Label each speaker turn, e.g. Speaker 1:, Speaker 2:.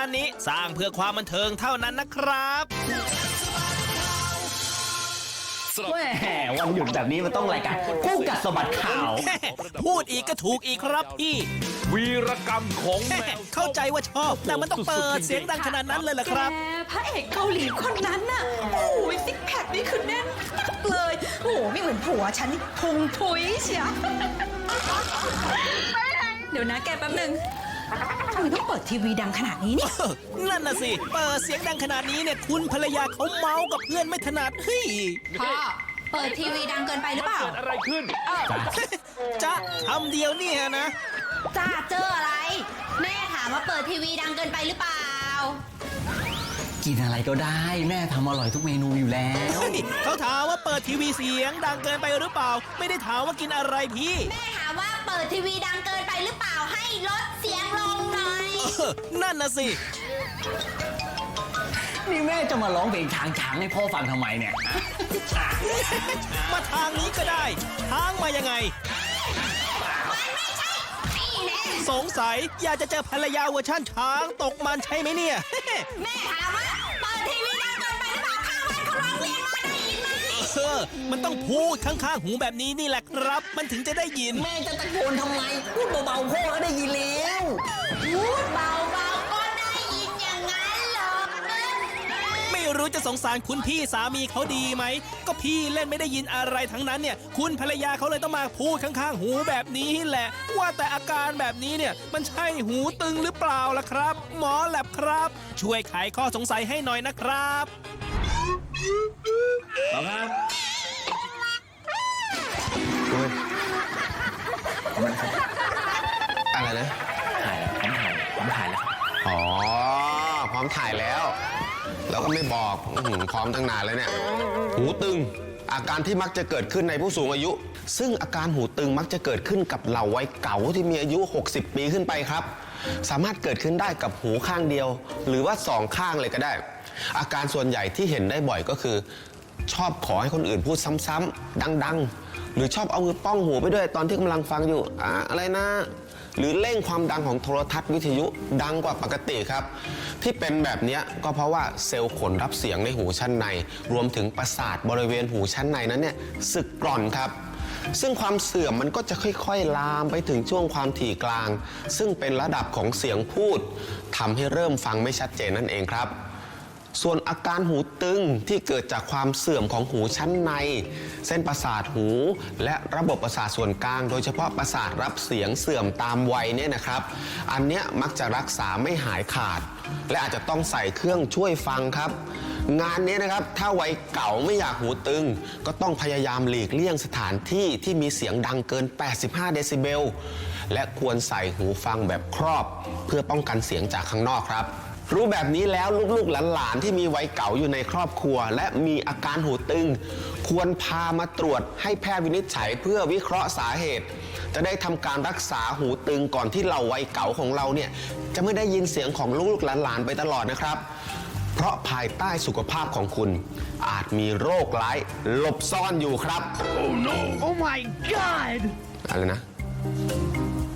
Speaker 1: นี้สร้างเพื่อความบันเทิงเท่านั้นนะครับ
Speaker 2: แหมวันหยุดแบบนี้มันต้องรายการคู่กัดสะบัดข่าว
Speaker 1: พูดอีกก็ถูกอีกครับพี่
Speaker 3: วีรกรรมของแมว
Speaker 1: เข้าใจว่าชอบแต่มันต้องเปิดเสียงดังขนาดนั้นเลยเหรอครับ
Speaker 4: แกพระเอกเกาหลีคนนั้นน่ะโอ้ยซิกแพคนี่คือแน่นมากเลยโอ้โหไม่เหมือนผัวฉันนี่พุงพุยเชียวเดี๋ยวนะแกแป๊บนึงทำไมต้องเปิดทีวีดังขนาดนี้เนี่ย
Speaker 1: นั่นน่ะสิ เปิดเสียงดังขนาดนี้เนี่ยคุณภรรยาเขาเมากับเพื่อนไม่ถนัดเฮ้ย
Speaker 4: พ่อเปิดทีวีดังเกินไปหรือเปล่า
Speaker 3: เกิดอะไรขึ้น
Speaker 1: จะคำเดียวเนี่ยนะ
Speaker 4: จ้าเจออะไร แม่ถามว่าเปิดทีวีดังเกินไปหรือเปล่า
Speaker 2: กินอะไรก็ได้แม่ทำอร่อยทุกเมนูอยู่แล้ว
Speaker 1: เฮ้ยเขาถามว่าเปิดทีวีเสียงดังเกินไปหรือเปล่า ไม่ได้ถามว่ากินอะไรพี่
Speaker 4: แม่ถามว่าเปิดทีวีดังเกินไปหรือเปล่าให้ลดเสียงลงหน่อย
Speaker 1: นั่นน่ะสิ
Speaker 2: นี่แม่จะมาร้องเพลงช้างให้พ่อฟังทำไมเนี่ย
Speaker 1: มาทางนี้ก็ได้ทางมายังไง สงสัยอยากจะเจอภรรยาเวอร์ชั่นช้างตกมันใช่ไหมเนี่ย
Speaker 4: แม่ถามว่าเปิดทีวีดังเกินไปหรือเปล่าข้างบ้านเขาร้องเรียนมาได้ยินไหม
Speaker 1: มันต้องพูดข้างๆหูแบบนี้นี่แหละครับ มันถึงจะได้ยิน
Speaker 2: แม่จะตะโกนทำไมพูดเบาๆพ่อก็ได้ยินแล้ว
Speaker 4: พูดเบาๆก็ได้ยินอย่างนั้นเหรอ
Speaker 1: ไม่รู้จะสงสารคุณพี่สามีเขาดีไหม ก็พี่เล่นไม่ได้ยินอะไรทั้งนั้นเนี่ย คุณภรรยาเขาเลยต้องมาพูดข้างๆหูแบบนี้แหละ ว่าแต่อาการแบบนี้เนี่ย มันใช่หูตึงหรือเปล่าล่ะครับ หมอแลบครับ ช่วยไขข้อสงสัยให้หน่อยนะครับ
Speaker 5: อะไรนะ
Speaker 2: ถ่ายแล้วผมถ่ายแล้ว
Speaker 5: อ๋อ พร้อมถ่ายแล้ว แล้วก็ไม่บอกพร้อมตั้งนานแล้วเนี่ย หูตึง อาการที่มักจะเกิดขึ้นในผู้สูงอายุ ซึ่งอาการหูตึงมักจะเกิดขึ้นกับเหล่าวัยเก่าที่มีอายุ 60 ปีขึ้นไปครับ สามารถเกิดขึ้นได้กับหูข้างเดียว หรือว่าสองข้างเลยก็ได้ อาการส่วนใหญ่ที่เห็นได้บ่อยก็คือ ชอบขอให้คนอื่นพูดซ้ำๆดังๆ หรือชอบเอามือป้องหูไปด้วยตอนที่กำลังฟังอยู่อะไรนะ หรือเร่งความดังของโทรทัศน์วิทยุดังกว่าปกติครับ ที่เป็นแบบนี้ก็เพราะว่าเซลล์ขนรับเสียงในหูชั้นใน รวมถึงประสาทบริเวณหูชั้นในนั้นเนี่ยสึกกร่อนครับ ซึ่งความเสื่อมมันก็จะค่อยๆลามไปถึงช่วงความถี่กลาง ซึ่งเป็นระดับของเสียงพูดทำให้เริ่มฟังไม่ชัดเจนนั่นเองครับ ส่วนอาการหูตึงที่เกิดจากความเสื่อมของหูชั้นใน เส้นประสาทหูและระบบประสาทส่วนกลาง โดยเฉพาะประสาทรับเสียงเสื่อมตามวัยเนี่ยนะครับ อันเนี้ยมักจะรักษาไม่หายขาด และอาจจะต้องใส่เครื่องช่วยฟังครับ งานนี้นะครับถ้าวัยเก่าไม่อยากหูตึง ก็ต้องพยายามหลีกเลี่ยงสถานที่ที่มีเสียงดังเกิน 85 เดซิเบล และควรใส่หูฟังแบบครอบ เพื่อป้องกันเสียงจากข้างนอกครับ รู้แบบนี้แล้วลูกๆหลานๆที่มีวัยเก่าอยู่ในครอบครัว และมีอาการหูตึง ควรพามาตรวจให้แพทย์วินิจฉัยเพื่อวิเคราะห์สาเหตุ จะได้ทำการรักษาหูตึงก่อนที่เราวัยเก่าของเราเนี่ยจะไม่ได้ยินเสียงของลูกๆหลานๆไปตลอดนะครับ เพราะภายใต้สุขภาพของคุณอาจมีโรคร้ายหลบซ่อนอยู่ครับ
Speaker 3: Oh no
Speaker 2: Oh my god
Speaker 5: อะไรนะ